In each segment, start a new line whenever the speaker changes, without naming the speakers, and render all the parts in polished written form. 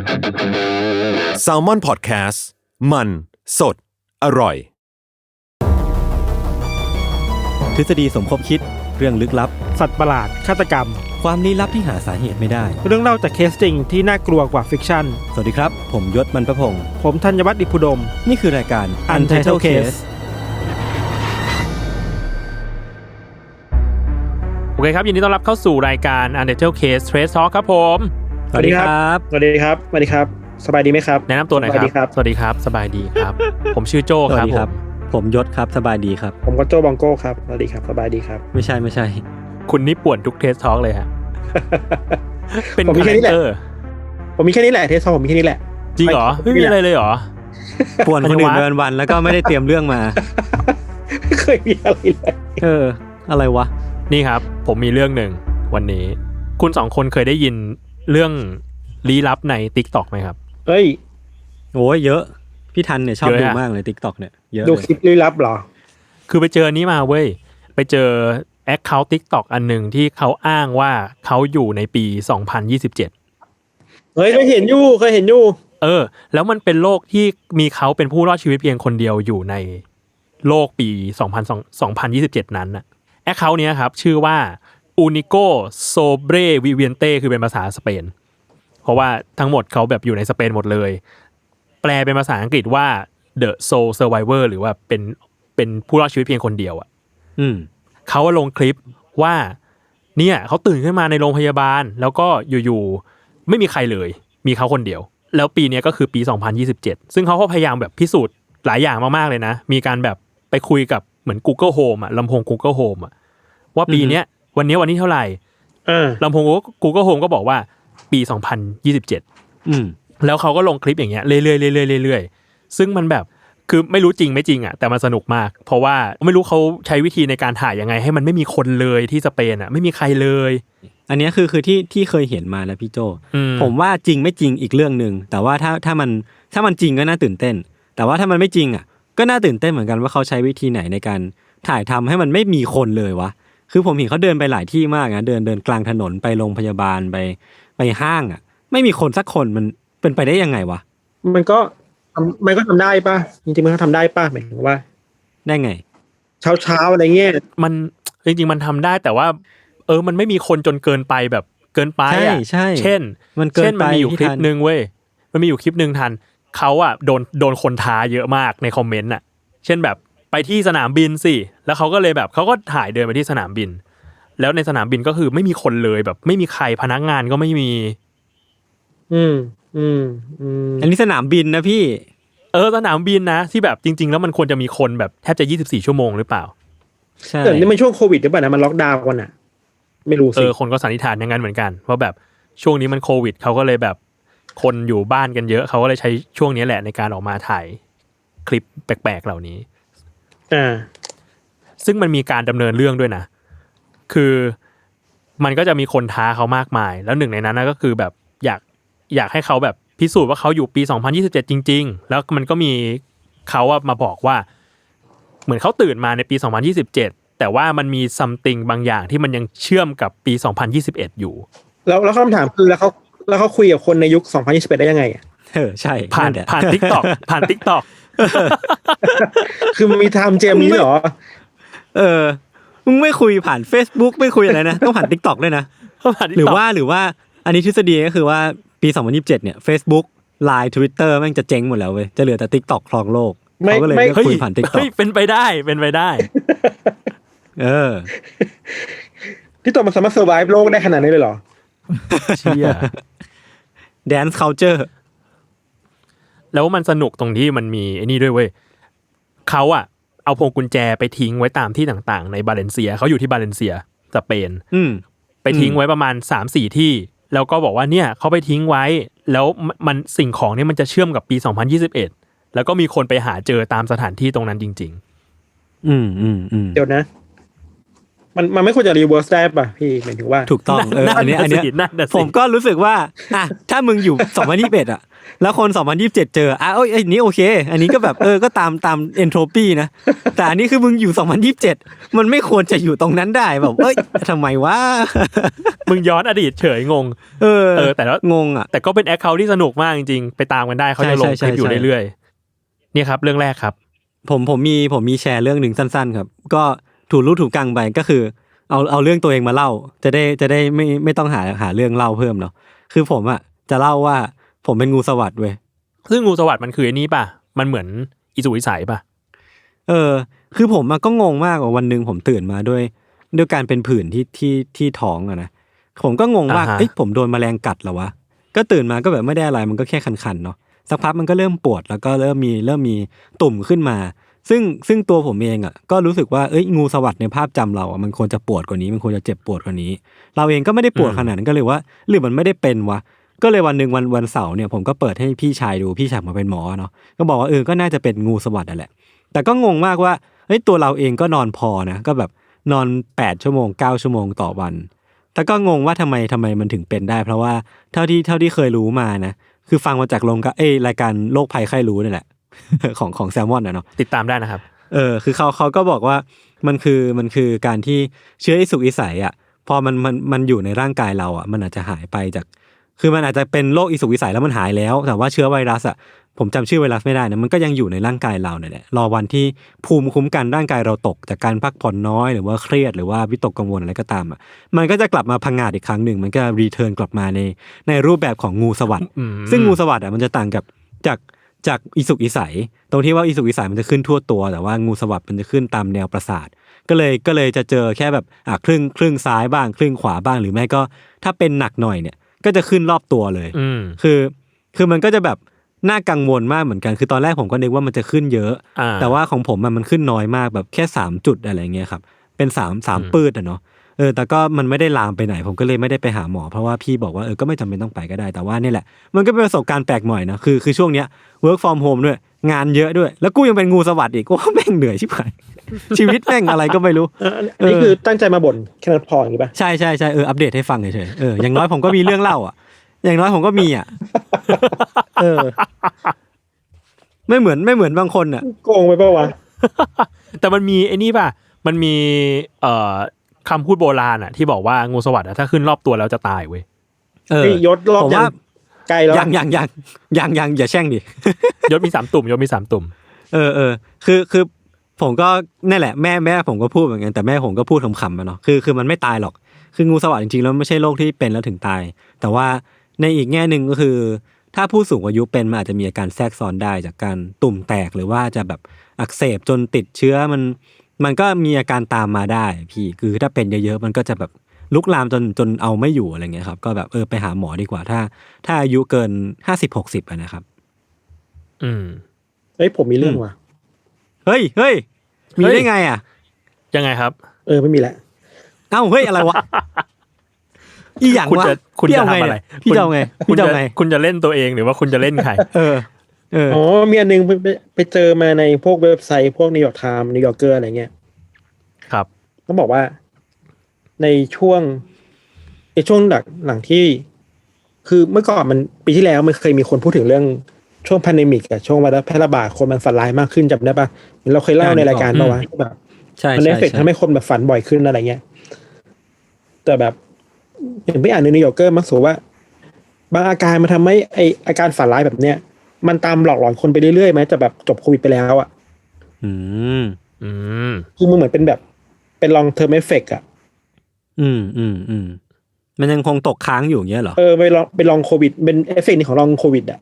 Salmon Podcast มันสดอร่อย
ทฤษฎีสมคบคิดเรื่องลึกลับ
สัตว์ประหลาดฆาตกรรม
ความลี้ลับที่หาสาเหตุไม่ได้
เรื่องเล่าจากเคสจริงที่น่ากลัวกว่าฟิกชั่น
สวัสดีครับผมยศมันประพงษ์
ผมธัญวัฒน์อิพุดม
นี่คือรายการ Untitled Case
โอเคครับยินดีต้อนรับเข้าสู่รายการ Untitled Case Trace Talk ครับผม
สวัสดีครับสวัสดีครับสวัสดีครับสบายดีไหมครับ
แนะนำตัวหน่อยครับสวัสดีครับสบายดีครับผมชื่อโจ้ครับ
ผมยศครับสบายดีครับ
ผมก็โจ้บองโก้ครับสวัสดีครับสบายดีครับ
ไม่ใช่
คุณนี่ป่วนทุก Trace Talk เลยฮะเป็นคาแรคเตอร์
ผมมีแค่นี้แหละเทสผมมีแค่นี้แหละ
จริงเหรอไม่มีอะไรเลยเหรอ
ป่วนคนอื่นเดินวันแล้วก็ไม่ได้เตรียมเรื่องมา
ไม่เคยมีอะไรเลย
อะไรวะ
นี่ครับผมมีเรื่องหนึ่งวันนี้คุณสองคนเคยได้ยินเรื่องลี้ลับใน TikTok ไหมครับ
เอ้ย
โอ้ยเยอะพี่ทันเนี่ยชอบดูมากเลย TikTok เนี่ยเยอะ
ดูคลิปลี้ลับเหรอ
คือไปเจอนี้มาเว้ยไปเจอแอคเคาท์ TikTok อันนึงที่เขาอ้างว่าเขาอยู่ในปี2027
เฮ้ยเคยเห็นอยู่
แล้วมันเป็นโลกที่มีเขาเป็นผู้รอดชีวิตเพียงคนเดียวอยู่ในโลกปี2027นั้นน่ะแอคเคาท์เนี้ยครับชื่อว่า Único Sobre Viviente คือเป็นภาษาสเปนเพราะว่าทั้งหมดเขาแบบอยู่ในสเปนหมดเลยแปลเป็นภาษาอังกฤษว่า The Sole Survivor หรือว่าเป็นผู้รอดชีวิตเพียงคนเดียวอ่ะเขาลงคลิปว่าเนี่ยเขาตื่นขึ้นมาในโรงพยาบาลแล้วก็อยู่ๆไม่มีใครเลยมีเขาคนเดียวแล้วปีนี้ก็คือปี2027ซึ่งเขาก็พยายามแบบพิสูจน์หลายอย่างมากๆเลยนะมีการแบบไปคุยกับเหมือน Google Home อ่ะลำโพง Google Home อ่ะว่าปีนี้วันนี้เท่าไหร่ลำโพง Google Home ก็บอกว่าปี2027แล้วเขาก็ลงคลิปอย่างเงี้ยเรื่อยๆซึ่งมันแบบคือไม่รู้จริงไม่จริงอ่ะแต่มันสนุกมากเพราะว่าไม่รู้เขาใช้วิธีในการถ่ายยังไงให้มันไม่มีคนเลยที่สเปนอ่ะไม่มีใครเลย
อันนี้คือที่เคยเห็นมานะพี่โจผมว่าจริงไม่จริงอีกเรื่องนึงแต่ว่าถ้ามันจริงก็น่าตื่นเต้นแต่ว่าถ้ามันไม่จริงอ่ะก็น่าตื่นเต้นเหมือนกันว่าเขาใช้วิธีไหนในการถ่ายทำให้มันไม่มีคนเลยวะคือผมเห็นเขาเดินไปหลายที่มากนะเดินกลางถนนไปโรงพยาบาลไปห้างอ่ะไม่มีคนสักคนมันเป็นไปได้ยังไงวะ
มันก็ทำได้ป่ะจริงๆมันก็ทำได้ป่ะหมายถึงว่า
ได้ไง
เช้าอะไรเงี้ย
มันจริงๆมันทำได้แต่ว่ามันไม่มีคนจนเกินไปแบบเกินไปอ่ะเช่นมันมีอยู่คลิปนึงเว้ยมันมีอยู่คลิปนึงทันเขาอ่ะโดนคนท้าเยอะมากในคอมเมนต์อ่ะเช่นแบบไปที่สนามบินสิแล้วเขาก็เลยแบบเขาก็ถ่ายเดินไปที่สนามบินแล้วในสนามบินก็คือไม่มีคนเลยแบบไม่มีใครพนักงานก็ไม่มี
อันนี้สนามบินนะพี่
สนามบินนะที่แบบจริงๆแล้วมันควรจะมีคนแบบแทบจะ24ชั่วโมงหรือเปล่า
ใช่แต่นี่มันช่วงโควิดหรือเปล่านะมันล็อกดาวน์กันน่ะไม่รู้สิ
คนก็สันนิษฐานอย่างนั้นเหมือนกันว่าแบบช่วงนี้มันโควิดเขาก็เลยแบบคนอยู่บ้านกันเยอะเขาก็เลยใช้ช่วงนี้แหละในการออกมาถ่ายคลิปแปลกๆเหล่านี้ซึ่งมันมีการดำเนินเรื่องด้วยนะคือมันก็จะมีคนท้าเขามากมายแล้วหนึ่งในนั้นก็คือแบบอยากให้เขาแบบพิสูจน์ว่าเขาอยู่ปี2027จริงๆแล้วมันก็มีเขามาบอกว่าเหมือนเขาตื่นมาในปี2027แต่ว่ามันมี something บางอย่างที่มันยังเชื่อมกับปี2021อยู่
แล้วคำถามคือแล้วเขาคุยกับคนในยุค2021ได้ยังไงอ่ะ
ใช่
ผ่าน TikTok ผ่าน TikTok
คือมันมีไทม์เจมนี้เหรอ
มึงไม่คุยผ่าน Facebook ไม่คุยอะไรนะต้องผ่าน TikTok ด้วยนะหรือว่าอันนี้ทฤษฎีก็คือว่าปี2027เนี่ย Facebook Line Twitter แม่งจะเจ๊งหมดแล้วเว้ยจะเหลือแต่ TikTok ครองโลกเขาก็เลยคุยผ่าน TikTok
เป็นไปได้
ที่ตัวมันสามารถ survive โลกได้ขนาดนี้เลยเหรอ
เชี่ย
Dance culture
แล้วมันสนุกตรงที่มันมีไอ้นี่ด้วยเว้ยเขาเอาพวงกุญแจไปทิ้งไว้ตามที่ต่างๆในบาเลนเซียเขาอยู่ที่บาเลนเซียสเปนไปทิ้งไว้ประมาณ 3-4 ที่แล้วก็บอกว่าเนี่ยเขาไปทิ้งไว้แล้วมันสิ่งของนี่มันจะเชื่อมกับปี2021แล้วก็มีคนไปหาเจอตามสถานที่ตรงนั้นจริงๆ
เดี๋ยวนะมันไม่ควรจะรีเวิร์สได้ป่ะพี่หมายถึงว่า
ถูกต้องอันเนี้ยผมก็รู้สึกว่าถ้ามึงอยู่2021อ่ะแล้วคน2027เจออันนี้โอเคอันนี้ก็แบบก็ตามเอนโทรปีนะแต่อันนี้คือมึงอยู่2027มันไม่ควรจะอยู่ตรงนั้นได้แบบทำไมวะ
มึงย้อนอดีตเฉยงงแต่ว่าง
งอ่ะ
แต่ก็เป็นแอคเคาท์ที่สนุกมากจริงๆไปตามกันได้เขาจะลงคลิปอยู่เรื่อยๆนี่ครับเรื่องแรกครับ
ผมมีแชร์เรื่องหนึ่งสั้นๆครับก็ถูกรู้ถูกกังไปก็คือเอาเรื่องตัวเองมาเล่าจะได้ไม่ต้องหาเรื่องเล่าเพิ่มเนาะคือผมอ่ะจะเล่าว่าผมเป็นงูสวัสด์เว้ย
ซึ่งงูสวัสด์มันคือไอ้นี่ป่ะมันเหมือนอิสุวิสัยป่ะ
คือผมก็งงมากว่าวันนึงผมตื่นมาด้วยการเป็นผื่นที่ท้องอะนะผมก็งงว่าผมโดนแมลงกัดเหรอวะก็ตื่นมาก็แบบไม่ได้อะไรมันก็แค่คันๆเนาะสักพักมันก็เริ่มปวดแล้วก็เริ่มมีตุ่มขึ้นมาซึ่งตัวผมเองอ่ะก็รู้สึกว่างูสวัสด์ในภาพจำเราอ่ะมันควรจะปวดกว่านี้มันควรจะเจ็บปวดกว่านี้เราเองก็ไม่ได้ปวดขนาดนั้นก็เลยว่าหรือมันไม่ได้เป็นวะก็เลยวันนึงวันเสาร์เนี่ยผมก็เปิดให้พี่ชายดูพี่ชายมาเป็นหมอเนาะก็บอกว่าก็น่าจะเป็นงูสวัสด์นั่นแหละแต่ก็งงมากว่าตัวเราเองก็นอนพอนะก็แบบนอน8ชั่วโมง9ชั่วโมงต่อวันแต่ก็งงว่าทำไมมันถึงเป็นได้เพราะว่าเท่าที่เคยรู้มานะคือฟังมาจากรายการโรคภัยไข้รู้นี่แหละ ของแซลมอนนะเนาะ
ติดตามได้นะครับ
คือเขาก็บอกว่ามันคือการที่เชื้ออิสุกอิสัยอ่ะพอมันอยู่ในร่างกายเราอ่ะมันอาจจะหายไปจากคือมันอาจจะเป็นโรคอิสุกอิสัยแล้วมันหายแล้วแต่ว่าเชื้อไวรัสอ่ะผมจำชื่อไวรัสไม่ได้นะมันก็ยังอยู่ในร่างกายเราเนี่ยแหละรอวันที่ภูมิคุ้มกันร่างกายเราตกจากการพักผ่อนน้อยหรือว่าเครียดหรือว่าวิตกกังวลอะไรก็ตามอ่ะมันก็จะกลับมาพังงาดอีกครั้งหนึ่งมันก็รีเทิร์นกลับมาในรูปแบบของงูสวัสด์ซึ่งงูสวัสด์อ่ะมันจะต่างกับจากอิสุกอิสัยตรงที่ว่าอิสุกอิสัยมันจะขึ้นทั่วตัวแต่ว่างูสวัสด์มันจะขึ้นตามแนวประสาทก็เลยจะเจอแค่แบบครึ่งซ้ายบ้างครึ่งขวาบ้างหรือไม่ก็ถ้าเป็นหนักหน่อยเนี่ยก็จะขึ้นรอบตัวเลยคือมันก็จะแบบน่ากังวลมากเหมือนกันคือตอนแรกผมก็นึกว่ามันจะขึ้นเยอะแต่ว่าของผมมันขึ้นน้อยมากแบบแค่3จุดอะไรเงี้ยครับเป็น3ปื้ดอ่ะเนาะแต่ก็มันไม่ได้ลามไปไหนผมก็เลยไม่ได้ไปหาหมอเพราะว่าพี่บอกว่าก็ไม่จำเป็นต้องไปก็ได้แต่ว่านี่แหละมันก็เป็นประสบการณ์แปลกใหม่นะคือช่วงเนี้ย work from home ด้วยงานเยอะด้วยแล้วกูยังเป็นงูสวัสด์อีกว่าแม่งเหนื่อยชิบหาย ชีวิตแม่งอะไรก็ไม่รู้
อันนี้คือตั้งใจมาบ่นแค่นั้นพออย่างนี้ป่ะ
ใช่อัปเดตให้ฟังเฉยๆอย่างน้อยผมก็มีเรื่องเล่าอ่ะอย่างน้อยผมก็มีอ่ะไม่เหมือนบางคนอ่ะ
โกงไปป่ะวะ
แต่มันมีไอ้นี่ป่ะมันมีคำพูดโบราณอ่ะที่บอกว่างูสวัสด์ถ้าขึ้นรอบตัวแล้วจะตายเว้ย
ยศรอบยังไกลแล้ว
ยังอย่าแช่งดิ
ยศมี3ตุ่ม
คือผมก็นั่นแหละแม่ผมก็พูดเหมือนกันแต่แม่ผมก็พูดขำๆมาเนาะคือมันไม่ตายหรอกคืองูสวัสด์จริงๆแล้วไม่ใช่โรคที่เป็นแล้วถึงตายแต่ว่าในอีกแง่นึงก็คือถ้าผู้สูงอายุเป็นมันอาจจะมีอาการแทรกซ้อนได้จากการตุ่มแตกหรือว่าจะแบบอักเสบจนติดเชื้อมันก็มีอาการตามมาได้พี่คือถ้าเป็นเยอะๆมันก็จะแบบลุกลามจนเอาไม่อยู่อะไรเงี้ยครับก็แบบไปหาหมอดีกว่าถ้าอายุเกิน50-60นะครับ
ผมมีเรื่องว่ะ
เฮ้ยมีได้ไงอ่ะ
ยังไงครับ
ไม่มีแหละ
เฮ้ยอะไรวะอีหยังวะ
คุณจะทำอะไร
พี่จะเอาไง
คุณจะเล่นตัวเองหรือว่าคุณจะเล่นใคร
มีอันนึงไปเจอมาในพวกเว็บไซต์พวกนิวยอร์กไทม์นิวยอร์กเกอร์อะไรเงี้ย
ครับ
ต้องบอกว่าในช่วงหลังที่คือเมื่อก่อนมันปีที่แล้วมันเคยมีคนพูดถึงเรื่องช่วงแพนเดมิกช่วงไวรัสแพร่ระบาดคนมันฝันร้ายมากขึ้นจำได้ป่ะเราเคยเล่าในรายการป่ะวะแบบมันเอฟเฟกต์ทำให้คนแบบฝันบ่อยขึ้นอะไรเงี้ยแต่แบบเห็นไปอ่านในนิวยอร์กเกอร์มักสูว่าบางอาการมันทำให้อาการฝันร้ายแบบเนี้ยมันตามหลอกหลอนคนไปเรื่อยๆไหมจะแบบจบโควิดไปแล้วอ่ะคือมันเหมือนเป็นแบบเป็น long term effect อ่ะ
มันยังคงตกค้างอยู่อย่างเงี้ยเหรอ
ไปลองโควิดเป็นเอฟเฟกต์ของลองโควิดอ่ะ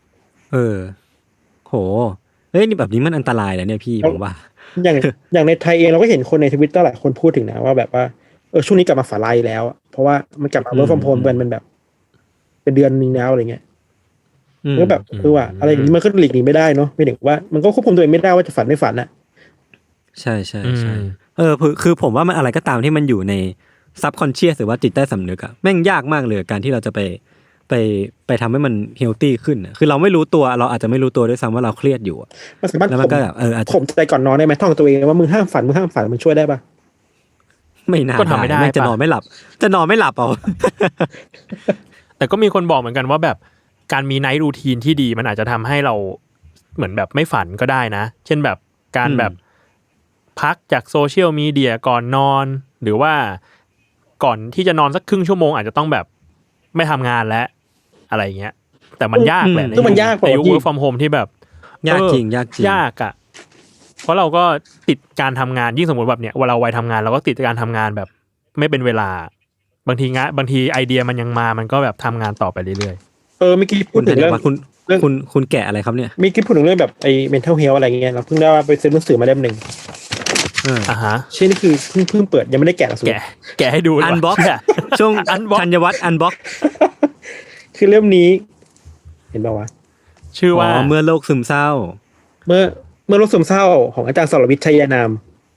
โหนี่แบบนี้มันอันตรายแล้วเนี่ยพี่ผมว่า
อย่างในไทยเองเราก็เห็นคนใน Twitter หลายคนพูดถึงนะว่าแบบว่าช่วงนี้กลับมาฝันร้ายแล้วเพราะว่ามันกลับมาwork from homeเป็นแบบเป็นเดือนนึงแล้วอะไรเงี้ยก็แบบว่าอะไรอย่างนี้มันก็หลีกหนีไม่ได้เนาะไม่ถึงว่ามันก็ควบคุมตัวเองไม่ได้ว่าจะฝันไม่ฝันอ่ะ
ใช่คือผมว่ามันอะไรก็ตามที่มันอยู่ในซับคอนเชียสหรือว่าจิตใต้สำนึกอะแม่งยากมากเลยการที่เราจะไปทำให้มันเฮลตี้ขึ้นคือเราไม่รู้ตัวเราอาจจะไม่รู้ตัวด้วยซ้ำว่าเราเครียดอยู่
มันสามารถแล้วมันก็ข่มใจก่อนนอนได้ไหมท่องตัวเองว่ามึงห้ามฝันมันช่วยได้ปะ
ไม่น่า
ก็ทำไม่ได้
จะนอนไม่หลับเอา
แต่ก็มีคนบอกเหมือนกันว่าแบบการมีไนท์รูทีนที่ดีมันอาจจะทำให้เราเหมือนแบบไม่ฝันก็ได้นะเช่นแบบการแบบพักจากโซเชียลมีเดียก่อนนอนหรือว่าก่อนที่จะนอนสักครึ่งชั่วโมงอาจจะต้องแบบไม่ทำงานแล้วอะไรเงี้ยแต่มันยากแหละในยุค work from home ที่แบบ
ยากจริง
ยากอ่ะเพราะเราก็ติดการทำงานยิ่งสมมติแบบเนี้ยเวลาวัยทำงานเราก็ติดการทำงานแบบไม่เป็นเวลาบางทีไอเดียมันยังมามันก็แบบทำงานต่อไปเรื่อย
ๆเมื่อกี้พูดถึงเรื่อง
คุณแกะอะไรครับเนี่ย
มีคิดพูดถึงเรื่องแบบไอ้ mental health อะไรเงี้ยเราเพิ่งได้ว่าไปซื้อหนังสือมาเล่มนึง
ฮะ
ชื่อนี่คือเพิ่งเปิดยังไม่ได้แกะหรอก
แกะให้ดู
อันบ็อกช่วงธัญวัฒน์อันบ็อก
คือเล่มนี้เห็นป่าววะ
ชื่อว่า
เมื่อโลกซึมเศร้า
เมื่อโลกซึมเศร้าของอาจารย์สรวิทย์ชัยนาม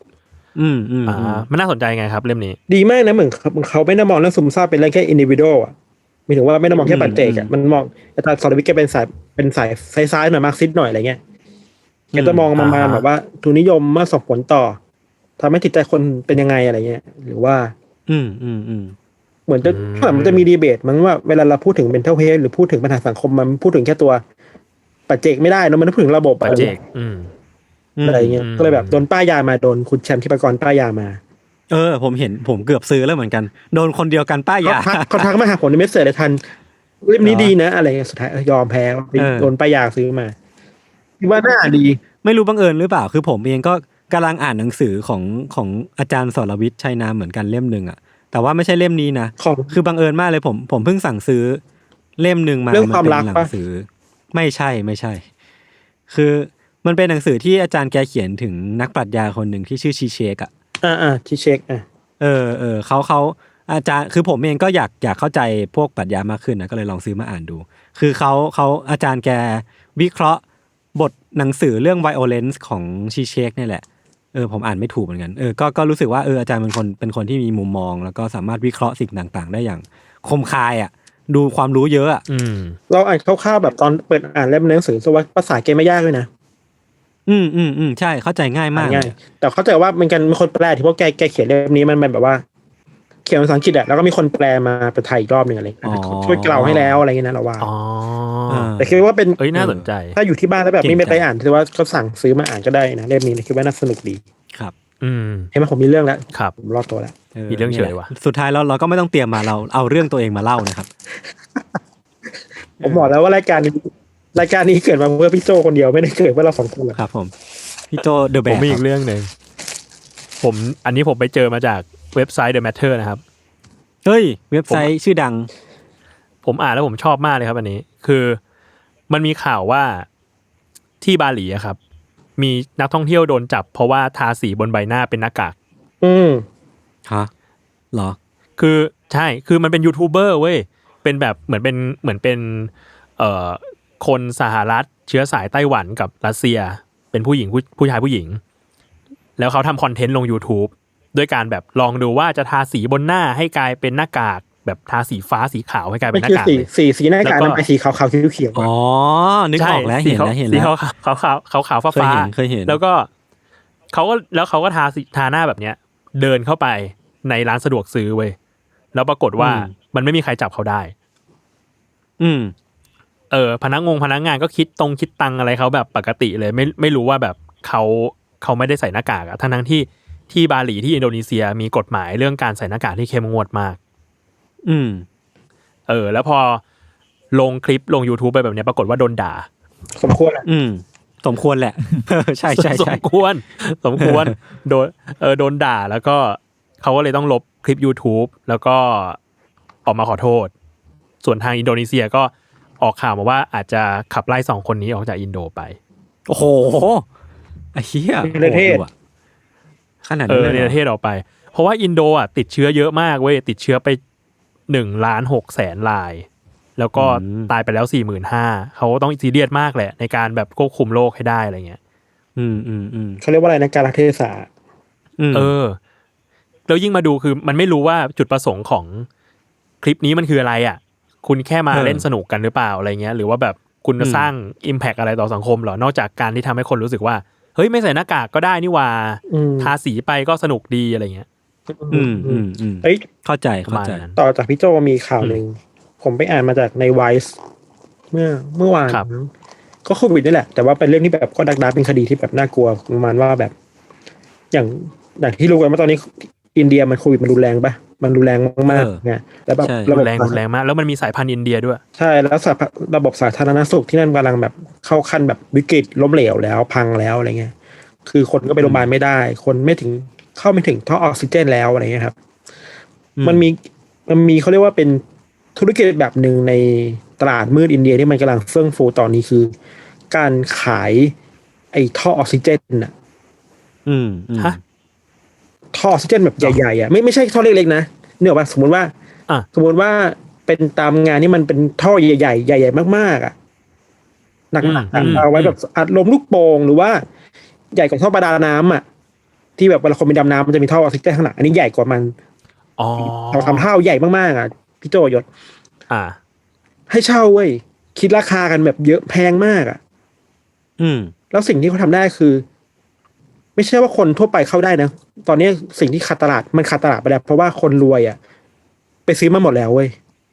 มันน่าสนใจไงครับเล่มนี้
ดีมากนะเหมือนเขาไม่ได้มองเรื่องซึมเศร้าเป็นเรื่องแค่ individual อ่ะหมายถึงว่าไม่ได้มองแค่ปัจเจกอ่ะมันมองอาจารย์สรวิทย์แกเป็นสายซ้ายหน่อยมาร์กซิสต์หน่อยอะไรเงี้ยแกจะมองมาแบบว่าทุนนิยมมาส่งผลต่อทำให้จิตใจคนเป็นยังไงอะไรเงี้ยหรือว่าเหมือนมันจะมีดีเบตมันว่าเวลาเราพูดถึง mental health หรือพูดถึงปัญหาสังคมมันพูดถึงแค่ตัวปัจเจกไม่ได้นะมันต้องพูดถึงระบบ
ปัจเจก
อะไรเงี้ยก็เลยแบบโดนป้ายยามาโดนคุณแชมป์ทิพกรป้ายยามา
ผมเกือบซื้อแล้วเหมือนกันโดนคนเดียวกันป้ายยา
เขาทักมาหาผมในเมสเซจเลยทันเล่มนี้ดีนะอะไรสุดท้ายยอมแพ้โดนป้ายยาซื้อมาคิดว่าน่าดี
ไม่รู้บังเอิญหรือเปล่าคือผมเองก็กำลังอ่านหนังสือของอาจารย์สรวิทย์ชัยนามเหมือนกันเล่มนึงอ่ะแต่ว่าไม่ใช่เล่มนี้นะคือบังเอิญมากเลยผมเพิ่งสั่งซื้อเล่มนึงมา
เรื่องความรัก
หนังสือไม่ใช่คือมันเป็นหนังสือที่อาจารย์แกเขียนถึงนักปรัชญาคนหนึ่งที่ชื่อชีเชก
ชีเชก
เขาอาจารย์คือผมเองก็อยากเข้าใจพวกปรัชญามากขึ้นนะก็เลยลองซื้อมาอ่านดูคือเขาอาจารย์แกวิเคราะห์บทหนังสือเรื่อง violence ของชีเชกนี่แหละผมอ่านไม่ถูกเหมือนกันก็รู้สึกว่าอาจารย์เป็นคนที่มีมุมมองแล้วก็สามารถวิเคราะห์สิ่งต่างๆได้อย่างคมคายอ่ะดูความรู้เยอะอ่ะ
เราอ่านคร่าวๆแบบตอนเปิดอ่านเล่มหนังสือว่าภาษาแกไม่ยากเลยนะ
ใช่เข้าใจง่ายมาก
แต่เข้าใจว่ามันกันมีคนแปลที่พวกแกเขียนเล่มนี้มันแบบว่าเขียนภาษาอังกฤษอ่ะแล้วก็มีคนแปลมาเป็นไทยอีกรอบนึงอะไรช่วยเกลาให้แล้วอะไรเงี้ยนะเราว่าแต่คิดว่าเป็น
น่าสนใจ
ถ้าอยู่ที่บ้านแล้วแบบไม่ไปอ่านถือว่าก็สั่งซื้อมาอ่านก็ได้นะเล่มนี้คิดว่าน่าสนุกดี
ครับ
เห็นไหมผมมีเรื่องแล้ว
ครับ
ผมรอดตัวแล้ว
มีเรื่องเฉยว่ะ
สุดท้ายเราก็ไม่ต้องเตรียมมาเราเอาเรื่องตัวเองมาเล่านะครับ
ผมบอกแล้วว่ารายการนี้เกิดมาเพื่อพี่โจคนเดียวไม่ได้เกิดเพื่อเราสองคน
ครับผมพี่โจเดอะแบก
ผมมีอีกเรื่องนึงอันนี้ผมไปเจอมาจากเว็บไซต์ The Matter นะครับ
เฮ้ยเว็บไซต์ชื่อดัง
ผมอ่านแล้วผมชอบมากเลยครับอันนี้คือมันมีข่าวว่าที่บาหลีอะครับมีนักท่องเที่ยวโดนจับเพราะว่าทาสีบนใบหน้าเป็นหน้ากาก
ฮะเหรอ
คือใช่คือมันเป็นยูทูบเบอร์เว้ยเป็นแบบเหมือนเป็นคนสหรัฐเชื้อสายไต้หวันกับรัสเซียเป็นผู้ชายผู้หญิงแล้วเขาทำคอนเทนต์ลง YouTube ด้วยการแบบลองดูว่าจะทาสีบนหน้าให้กลายเป็นหน้ากากแบบทาสีฟ้าสีขาวให้กลายเป็นหน้ากาก
สีหน้ากากมันเป็นสีขาวๆเขียว
ๆอ๋อนึกออกแล้วเห็นแล้ว
สีขาวฟ้า
เคยเห็น
แล้วก็เขาก็ทาหน้าแบบเนี้ยเดินเข้าไปในร้านสะดวกซื้อเว้ยแล้วปรากฏว่ามันไม่มีใครจับเขาได้พนักงานก็คิดตังอะไรเขาแบบปกติเลยไม่รู้ว่าแบบเขาไม่ได้ใส่หน้ากากอะทั้งที่บาหลีที่อินโดนีเซียมีกฎหมายเรื่องการใส่หน้ากากที่เข้มงวดมากแล้วพอลงคลิปลง YouTube ไปแบบนี้ปรากฏว่าโดนด่า
สมควรแหละ
สมควรแหละใช่
สมควรโดนด่าแล้วก็เขาก็เลยต้องลบคลิป YouTube แล้วก็ออกมาขอโทษส่วนทางอินโดนีเซียก็ออกข่าวมาว่าอาจจะขับไล่2คนนี้ออกจากอินโดไป
โอ้โหไอ้เหี้ย
ประเทศ
ขนาดนี้
ในประเทศออกไปเพราะว่าอินโดอ่ะติดเชื้อเยอะมากเว้ยติดเชื้อไป 1,600,000 รายแล้วก็ตายไปแล้ว 45,000 เขาต้องซีเรียสมากแหละในการแบบควบคุมโรคให้ได้อะไรเงี้ย
เขาเรียกว่าอะไรนะการเทศะ
แล้วยิ่งมาดูคือมันไม่รู้ว่าจุดประสงค์ของคลิปนี้มันคืออะไรอ่ะคุณแค่มาเล่นสนุกกันหรือเปล่าอะไรเงี้ยหรือว่าแบบคุณจะสร้าง impact อะไรต่อสังคมหรอนอกจากการที่ทำให้คนรู้สึกว่าเฮ้ยไม่ใส่หน้ากากก็ได้นี่ว่าทาสีไปก็สนุกดีอะไรเงี้ย
เอ้ย
เข้าใจ
ประมาณนั้น
ต่อจากพี่โจมีข่าวหนึ่งผมไปอ่านมาจากในไวซ์เมื่อวาน
ครับ
ก็โควิดนี่แหละแต่ว่าเป็นเรื่องที่แบบก็ดักเป็นคดีที่แบบน่ากลัวประมาณว่าแบบ อย่างที่รู้กันว่าตอนนี้อินเดียมันโควิดมันรุนแรงปะมันรุนแรงมากๆไงแล้วแบบ
รุนแรงมากแล้วมันมีสายพันธุ์อินเดียด้วย
ใช่แล้วระบบสาธารณสุขที่นั่นกำลังแบบเข้าขั้นแบบวิกฤตล้มเหลวแล้วพังแล้วอะไรเงี้ยคือคนก็ไปโรงพยาบาลไม่ได้ คนเข้าไม่ถึงท่อออกซิเจนแล้วอะไรเงี้ยครับมันมีเขาเรียกว่าเป็นธุรกิจแบบหนึ่งในตลาดมืดอินเดียที่มันกำลังเฟื่องฟูตอนนี้คือ การขายไอ้ท่อออกซิเจนน่ะ
ฮะ
ท่อออกซิเจนแบบใหญ่ๆอ่ะไม่ใช่ท่อเล็กๆนะเนี่ยว่าสมมติว่าเป็นตามงานที่มันเป็นท่อใหญ่ๆใหญ่ๆมากๆอ่ะหนักๆเอาไว้แบบอัดลมลูกโป่งหรือว่าใหญ่กว่าท่อประดาน้ำอ่ะที่แบบเวลาคนไปดำน้ำมันจะมีท่อออกซิเจนข้างหลังอันนี้ใหญ่กว่ามันเราทำเท่าใหญ่มากๆอ่ะพี่โจยศให้เช่าเว้ยคิดราคากันแบบเยอะแพงมากอ่ะแล้วสิ่งที่เขาทำได้คือ ไม่ใช่ว่าคนทั่วไปเข้าได้นะตอนนี้สิ่งที่ขาดตลาดมันขาดตลาดไปแล้วเพราะว่าคนรวยอ่ะไปซื้อมาหมดแล้วเว้ย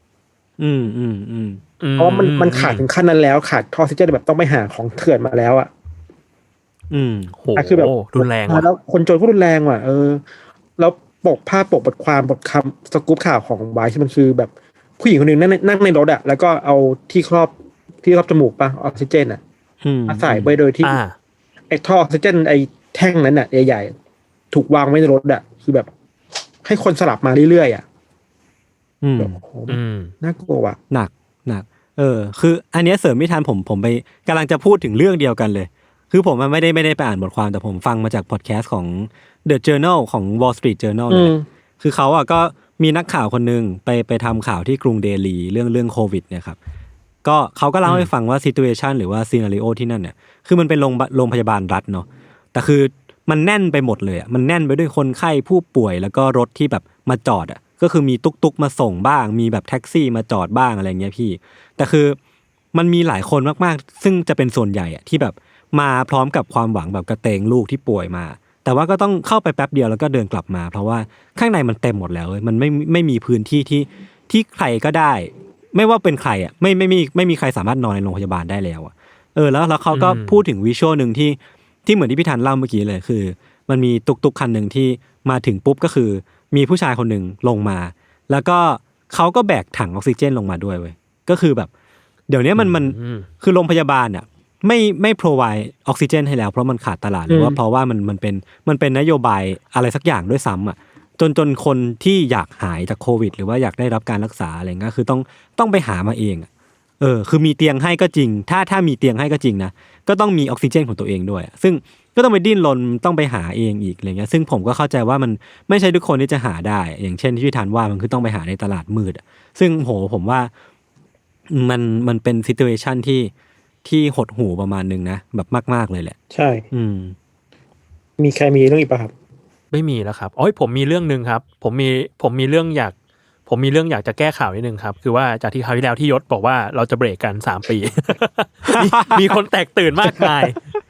เพราะมันขาดถึงขั้นนั้นแล้วขาดท่อออกซิเจนแบบต้องไปหาของเถื่อนมาแล้วอ่ะ
โห
คือแบบ
รุนแรงว่ะ
แล้วคนจนก็รุนแรงว่ะแล้วปกบทความบทคำสกู๊ปข่าวของไวท์มันคือแบบผู้หญิงคนหนึ่งนั่งในรถอ่ะแล้วก็เอาที่ครอบจมูกป่ะออกซิเจนอ่ะมาใส่ไปโดยที่ไอ้ท่อออกซิเจนไอ้แท่งนั้นอ่ะใหญ่ๆถูกวางไว้ในรถอ่ะคือแบบให้คนสลับมาเรื่อยๆอ่ะแบบโอ้โหน่ากลัวว่ะ
หนักคืออันเนี้ยเสริมไม่ทันผมไปกำลังจะพูดถึงเรื่องเดียวกันเลยคือผมมันไม่ได้ไปอ่านบทความแต่ผมฟังมาจากพอดแคสต์ของ The Journal ของ Wall Street Journal เลยคือเขาอ่ะก็มีนักข่าวคนนึงไปทำข่าวที่กรุงเดลีเรื่องโควิดเนี่ยครับก็เขาก็เล่าให้ฟังว่า situation หรือว่า scenario ที่นั่นเนี่ยคือมันเป็นโรงพยาบาลรัฐเนาะแต่คือมันแน่นไปหมดเลยอ่ะมันแน่นไปด้วยคนไข้ผู้ป่วยแล้วก็รถที่แบบมาจอดอ่ะก็คือมีตุ๊กๆมาส่งบ้างมีแบบแท็กซี่มาจอดบ้างอะไรเงี้ยพี่แต่คือมันมีหลายคนมากๆซึ่งจะเป็นส่วนใหญ่อ่ะที่แบบมาพร้อมกับความหวังแบบกระเตงลูกที่ป่วยมาแต่ว่าก็ต้องเข้าไปแป๊บเดียวแล้วก็เดินกลับมาเพราะว่าข้างในมันเต็มหมดแล้วมันไม่มีพื้นที่ที่ใครก็ได้ไม่ว่าเป็นใครอ่ะไม่มีใครสามารถนอนในโรงพยาบาลได้แล้วอ่ะแล้วเขาก็พูดถึงวิชวลนึงที่เหมือนที่พี่ธันเล่าเมื่อกี้เลยคือมันมีตุกคันนึงที่มาถึงปุ๊บก็คือมีผู้ชายคนนึงลงมาแล้วก็เขาก็แบกถังออกซิเจนลงมาด้วยเว้ยก็คือแบบเดี๋ยวนี้มันคือโรงพยาบาลอ่ะไม่ provide ออกซิเจนให้แล้วเพราะมันขาดตลาดหรือว่าเพราะว่ามันเป็นนโยบายอะไรสักอย่างด้วยซ้ำอ่ะจนคนที่อยากหายจากโควิดหรือว่าอยากได้รับการรักษาอะไรเงี้ยคือต้องไปหามาเองคือมีเตียงให้ก็จริงถ้ามีเตียงให้ก็จริงนะก็ต้องมีออกซิเจนของตัวเองด้วยซึ่งก็ต้องไปดิ้นรนต้องไปหาเองอีกอะไรเงี้ยซึ่งผมก็เข้าใจว่ามันไม่ใช่ทุกคนที่จะหาได้อย่างเช่นที่พี่ธันว่ามันคือต้องไปหาในตลาดมืดซึ่งผมว่ามันเป็นซิทูเอชั่นที่หดหู่ประมาณนึงนะแบบมากๆเลยแหละ
ใช่มีใครมีเรื่องอีกป่ะครับ
ไม่มีแล้วครับผมมีเรื่องนึงครับผมมีเรื่องอยากจะแก้ข่าวนิดนึงครับคือว่าจากที่คราวที่แล้วที่ยศบอกว่าเราจะเบรกกัน3 ปี มีคนแตกตื่นมากมาย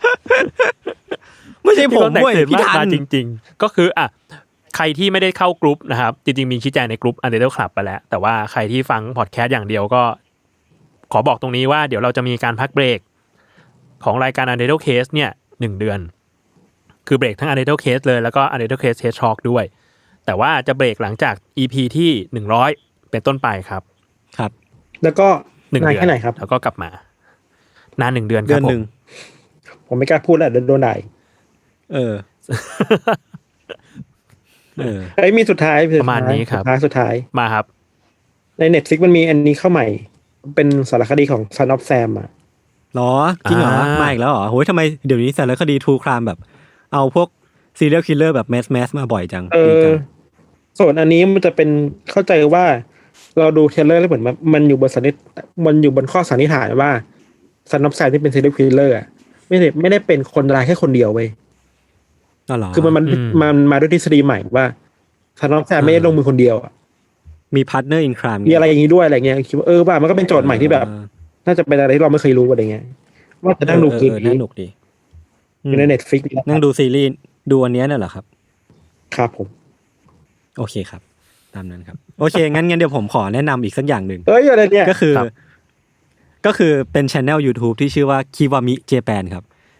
ไม่ใช่ผมด้วยพี่ธัน
จริงๆก็คือใครที่ไม่ได้เข้ากรุ๊ปนะครับจริงๆมีชี้แจงในกรุ๊ป Untitled Club ไปแล้วแต่ว่าใครที่ฟังพอดแคสต์อย่างเดียวก็ขอบอกตรงนี้ว่าเดี๋ยวเราจะมีการพักเบรกของรายการ Untitled Case เนี่ย1 เดือนคือเบรกทั้ง Untitled Case เลยแล้วก็ Untitled Case Test Talk ด้วยแต่ว่าจะเบรกหลังจาก EP ที่100เป็นต้นไปครับ
ครับ
แล้วก็นานแค่ไหนครับ
แล้วก็กลับมานาน1 เดือนครับ
ผมไม่กล้าพูดแล้วโดนด่ามีสุดท้าย
ประมาณนี้ครับ
สุดท้าย
มาครับ
ใน Netflix มันมีอันนี้เข้าใหม่เป็นสารคดีของ Son of Sam อ่ะ
หรอจริงเหรอมาอีกแล้วเหรอโหยทำไมเดี๋ยวนี้สารคดีทรูครามแบบเอาพวกซีเรียลคิลเลอร์แบบแมสมาบ่อยจัง
ส่วนอันนี้มันจะเป็นเข้าใจว่าเราดูเทรลเลอร์แล้วเหมือนมันอยู่บนข้อสันนิษฐานว่าซันนอฟแซมที่เป็นซีเรียลคิลเลอร์ไม่ได้เป็นคนร้ายแค่คนเดียวเว้ยคือมันมาด้วยทฤษฎีใหม่ว่าซันนอฟแซมไม่ได้ลงมือคนเดียว
มีพาร์ทเนอร์อินคราม
มีอะไรอย่างนี้ด้วยอะไรเงี้ยคิดว่าว่ามันก็เป็นโจทย์ใหม่ที่แบบน่าจะเป็นอะไรที่เราไม่เคยรู้อะไรเงี้ยว่าจะนั่งดูคลิป
น่าหนุกดี
อยู่ใน Netflix
นั่งดูซีรีส์ดูอันนี้น่ะเหรอครับ
ครับผม
โอเคครับตามนั้นครับโอเคงั้นเดี๋ยวผมขอแนะนำอีกสักอย่างหนึ่ง
อะไรเนี่ย
ก็คือเป็น channel YouTube ที่ชื่อว่า Kiwami Japan ครับ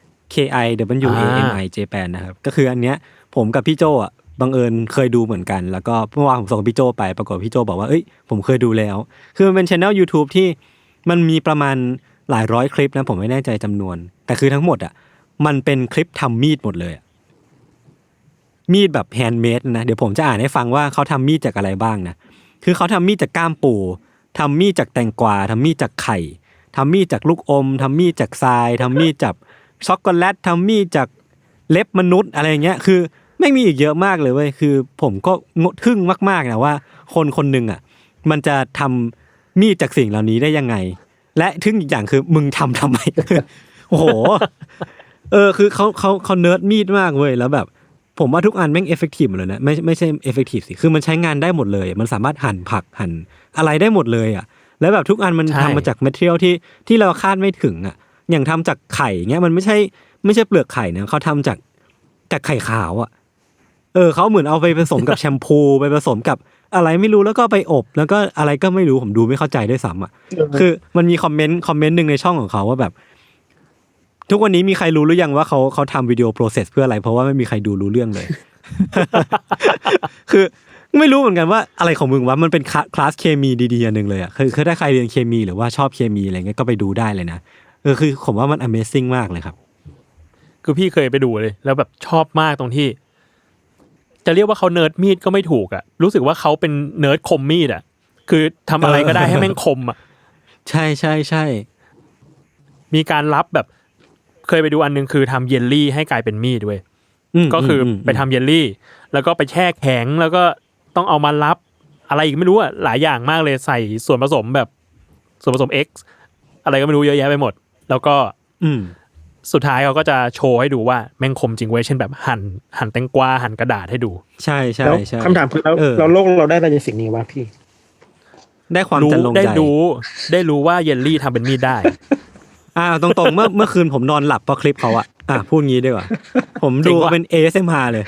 KIWAMI Japan นะครับก็คืออันเนี้ยผมกับพี่โจอ่ะบังเอิญเคยดูเหมือนกันแล้วก็เมื่อวานผมส่งพี่โจไปปรากฏพี่โจบอกว่าเอ้ยผมเคยดูแล้วคือมันเป็น channel YouTube ที่มันมีประมาณหลายร้อยคลิปนะผมไม่แน่ใจจำนวนแต่คือทั้งหมดอ่ะมันเป็นคลิปทำมีดหมดเลยมีดแบบแฮนด์เมดนะเดี๋ยวผมจะอ่านให้ฟังว่าเขาทำมีดจากอะไรบ้างนะคือเขาทำมีดจากก้ามปูทำมีดจากแตงกวาทำมีดจากไข่ทำมีดจากลูกอมทำมีดจากทรายทำมีดจากช็อกโกแลตทำมีดจากเล็บมนุษย์อะไรเงี้ยคือไม่มีอีกเยอะมากเลยเว้ยคือผมก็ทึ่งมากๆนะว่าคนคนหนึ่งอ่ะมันจะทำมีดจากสิ่งเหล่านี้ได้ยังไงและทึ่งอีกอย่างคือมึงทำไม โอ้โหคือเขาเนิร์ดมีดมากเว้ยแล้วแบบผมว่าทุกอันแม่งเอฟเฟกตีฟหมดเลยนะไม่ใช่เอฟเฟกตีฟสิคือมันใช้งานได้หมดเลยมันสามารถหั่นผักหั่นอะไรได้หมดเลยอ่ะแล้วแบบทุกอันมันทำมาจากแมทเทียลที่เราคาดไม่ถึงอ่ะอย่างทำจากไข่เงี้ยมันไม่ใช่เปลือกไข่นะเขาทำจากไข่ขาวอ่ะเขาเหมือนเอาไปผสมกับแชมพูไปผสมกับอะไรไม่รู้แล้วก็ไปอบแล้วก็อะไรก็ไม่รู้ผมดูไม่เข้าใจด้วยซ้ำอ่ะคือมันมีคอมเมนต์นึงในช่องของเขาว่าแบบทุกวันนี้มีใครรู้หรือยังว่าเขาทำวิดีโอโปรเซสเพื่ออะไรเพราะว่าไม่มีใครดูรู้เรื่องเลย คือไม่รู้เหมือนกันว่าอะไรของมึงวะมันเป็นคลาสเคมีดีๆอันนึงเลยอ่ะคือถ้าใครเรียนเคมีหรือว่าชอบเคมีอะไรเงี้ยก็ไปดูได้เลยนะคือผมว่ามัน Amazing มากเลยครับ
คือพี่เคยไปดูเลยแล้วแบบชอบมากตรงที่จะเรียกว่าเขาเนิร์ดมีดก็ไม่ถูกอ่ะรู้สึกว่าเขาเป็นเนิร์ดคมมีดอ่ะคือทำอะไรก็ได้ให้แม่งคมอ่ะ
ใช่
มีการรับแบบเคยไปดูอันนึงคือทำเยลลี่ให้กลายเป็นมีดด้วยก็คือไปทำเยลลี่แล้วก็ไปแช่แข็งแล้วก็ต้องเอามารับอะไรอีกไม่รู้อ่ะหลายอย่างมากเลยใส่ส่วนผสมแบบส่วนผสม X อะไรก็ไม่รู้เยอะแยะไปหมดแล้วก็สุดท้ายเขาก็จะโชว์ให้ดูว่าแม่งคมจริงเว้ยเช่นแบบหั่นแตงกวาหั่นกระดาษให้ดู
ใช่
คำถามคือเราโลกเราได้อะไรในสิ่งนี้วะพี่
ได้ความจันลงใจ
ได้รู้ว่าเยลลี่ทำเป็นมีดได้
ตรงๆเมื่อคืนผมนอนหลับเพราะคลิปเขาพูดงี้ดีกว่าผมดูเป็น ASMR เลย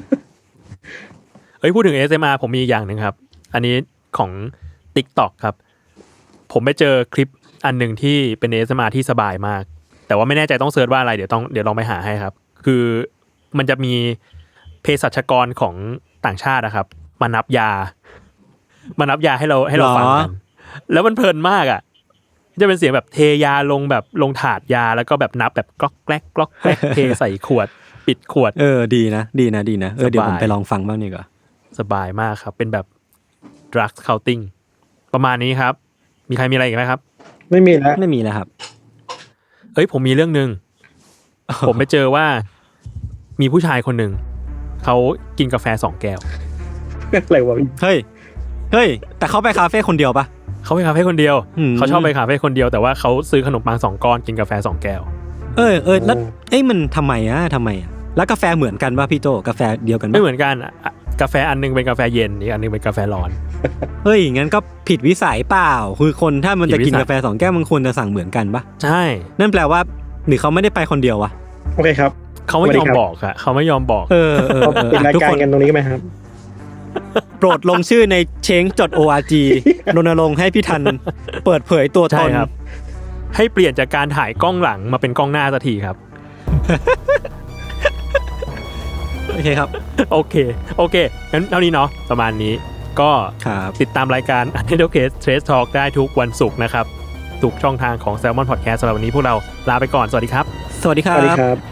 พูดถึง ASMR ผมมีอีกอย่างนึงครับอันนี้ของ TikTok ครับผมไปเจอคลิปอันนึงที่เป็น ASMR ที่สบายมากแต่ว่าไม่แน่ใจต้องเสิร์ชว่าอะไรเดี๋ยวลองไปหาให้ครับคือมันจะมีเภสัชกรของต่างชาตินะครับมานับยาให้เราฟังกันแล้วมันเพลินมากอ่ะจะเป็นเสียงแบบเทยาลงถาดยาแล้วก็แบบนับแบบกล็อกแกลกกล็อกแกลกเทใส่ขวดปิดขวด
ดีนะเดี๋ยวผมไปลองฟังบ้างนี่ก็
สบายมากครับเป็นแบบ drug counting ประมาณนี้ครับมีใครมีอะไรอีกไหมครับ
ไม่มี
แล้วครับ
ผมมีเรื่องนึง ผมไปเจอว่ามีผู้ชายคนนึงเขากินกาแฟ2แก้ว
อะไรวะ
เฮ้ยแต่เขาไปคาเฟ่คนเดียวปะ
เขาไปคาเฟ่คนเดียวเขาชอบไปคาเฟ่คนเดียวแต่ว่าเขาซื้อขนมปัง2ก้อนกินกาแฟ2แก้ว
แล้วมันทำไมแล้วกาแฟเหมือนกันป่ะพี่โตกาแฟเดียวกัน
ไม่เหมือนกันกาแฟอันนึงเป็นกาแฟเย็นอีกอันนึงเป็นกาแฟร้อน
งั้นก็ผิดวิสัยเปล่าคือคนถ้ามันจะกินกาแฟ2แก้วมันควรจะสั่งเหมือนกันป่ะ
ใช่
นั่นแปลว่าหรือเขาไม่ได้ไปคนเดียววะ
โอเคครับ
เขาไม่ยอมบอกอะเขาไม่ยอมบอก
ปิดรายการกันตรงนี้ไหมครับ
โปรดลงชื่อใน change.org รณรงค์ให้พี่ทันเปิดเผยตัวตน
ให้เปลี่ยนจากการถ่ายกล้องหลังมาเป็นกล้องหน้าสักทีครับ
โอเคครับ
โอเคงั้นเท่านี้เนาะประมาณนี้ก็ติดตามรายการ Untitled Case Trace Talk ได้ทุกวันศุกร์นะครับทุกช่องทางของ Salmon Podcast สำหรับวันนี้พวกเราลาไปก่อนสวัสดีครับ
สวัสดีครับ